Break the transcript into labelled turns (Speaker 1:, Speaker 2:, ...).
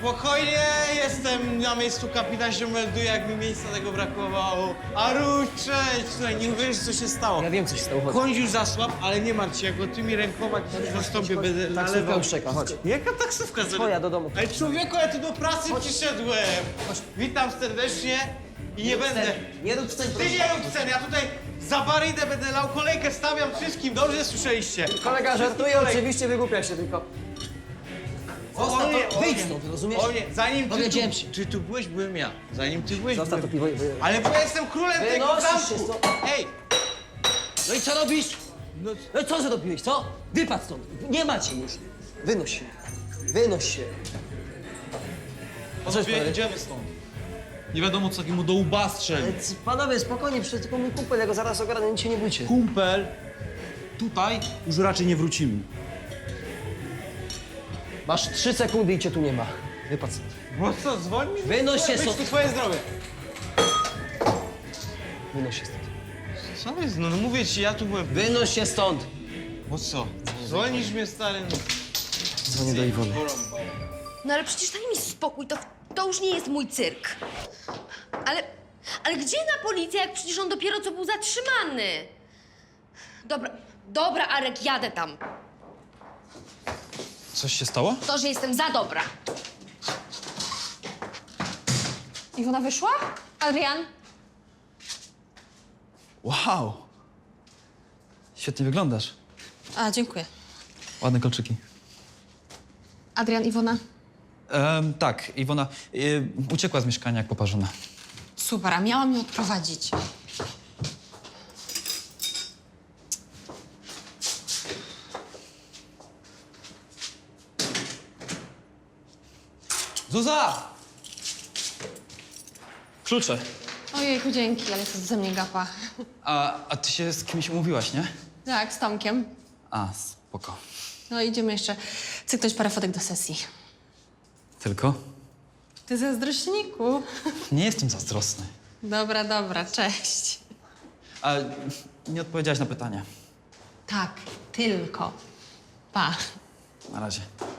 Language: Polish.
Speaker 1: Spokojnie, jestem na miejscu, kapitan się melduje, jak mi miejsca tego brakowało. Aruś, cześć! Słuchaj, nie uwierzysz, co się stało.
Speaker 2: Ja wiem, co się stało, chodź.
Speaker 1: Koń już zasłab, ale nie martw się, jak go tymi rękoma ci zastąpię, będę
Speaker 2: Taksówka
Speaker 1: nalewał.
Speaker 2: już czeka, chodź.
Speaker 1: Jaka taksówka?
Speaker 2: Twoja, do domu.
Speaker 1: Ale człowieku, ja tu do pracy przyszedłem. Witam serdecznie i nie będę...
Speaker 2: Nie rób scen,
Speaker 1: Ty nie rób scen, ja tutaj za barydę będę lał, kolejkę stawiam wszystkim, dobrze słyszeliście?
Speaker 2: Kolega żartuje, oczywiście wygłupia się tylko. Zostaw to, wyjdź stąd, rozumiesz?
Speaker 1: O nie, zanim ty
Speaker 2: Powiedziałem
Speaker 1: tu,
Speaker 2: się.
Speaker 1: czy tu byłeś, byłem ja. Zanim ty byłeś,
Speaker 2: Zostaw to
Speaker 1: byłem...
Speaker 2: piwo.
Speaker 1: Ale bo ja jestem królem tego
Speaker 2: Wynosisz się
Speaker 1: zamku!
Speaker 2: stąd.
Speaker 1: Ej!
Speaker 2: No i co robisz?
Speaker 1: No,
Speaker 2: No i co zrobiłeś, co? Wypadł stąd. Nie macie już. Wynoś się. Wynoś się.
Speaker 3: Panowie, idziemy stąd. Nie wiadomo, co takiemu do łba strzeli.
Speaker 2: Panowie, spokojnie, przecież tylko mój kumpel, ja go zaraz ogarnę, nic się nie bójcie.
Speaker 3: Kumpel, tutaj już raczej nie wrócimy.
Speaker 2: Masz 3 sekundy i cię tu nie ma. Wypadł stąd.
Speaker 1: bo co, dzwoń mi?
Speaker 2: Wynoś się
Speaker 1: Być
Speaker 2: stąd.
Speaker 1: tu twoje zdrowie.
Speaker 2: Wynoś się stąd.
Speaker 1: Co jest? No mówię ci, ja tu byłem.
Speaker 2: Wynoś się stąd.
Speaker 1: Bo co? Dzwonisz mnie, stary?
Speaker 2: Dzwonię do Iwony.
Speaker 4: No ale przecież daj mi spokój, to już nie jest mój cyrk. Ale gdzie na policję, jak przecież on dopiero co był zatrzymany? Dobra, Arek, jadę tam.
Speaker 3: Coś się stało?
Speaker 4: To, że jestem za dobra.
Speaker 5: Iwona wyszła? Adrian?
Speaker 3: Wow! Świetnie wyglądasz.
Speaker 5: A, dziękuję.
Speaker 3: Ładne kolczyki.
Speaker 5: Adrian, Iwona?
Speaker 3: Tak, Iwona uciekła z mieszkania jak poparzona.
Speaker 5: Super, a miałam ją odprowadzić.
Speaker 3: Zuza! Klucze.
Speaker 5: Ojejku, dzięki, ale to ze mnie gapa.
Speaker 3: A ty się z kimś umówiłaś, nie?
Speaker 5: Tak, z Tomkiem.
Speaker 3: A, spoko.
Speaker 5: No idziemy jeszcze cyknąć parę fotek do sesji.
Speaker 3: Tylko?
Speaker 5: Ty zazdrośniku.
Speaker 3: Nie jestem zazdrosny.
Speaker 5: Dobra, cześć.
Speaker 3: A nie odpowiedziałaś na pytanie.
Speaker 5: Tak, tylko. Pa.
Speaker 3: Na razie.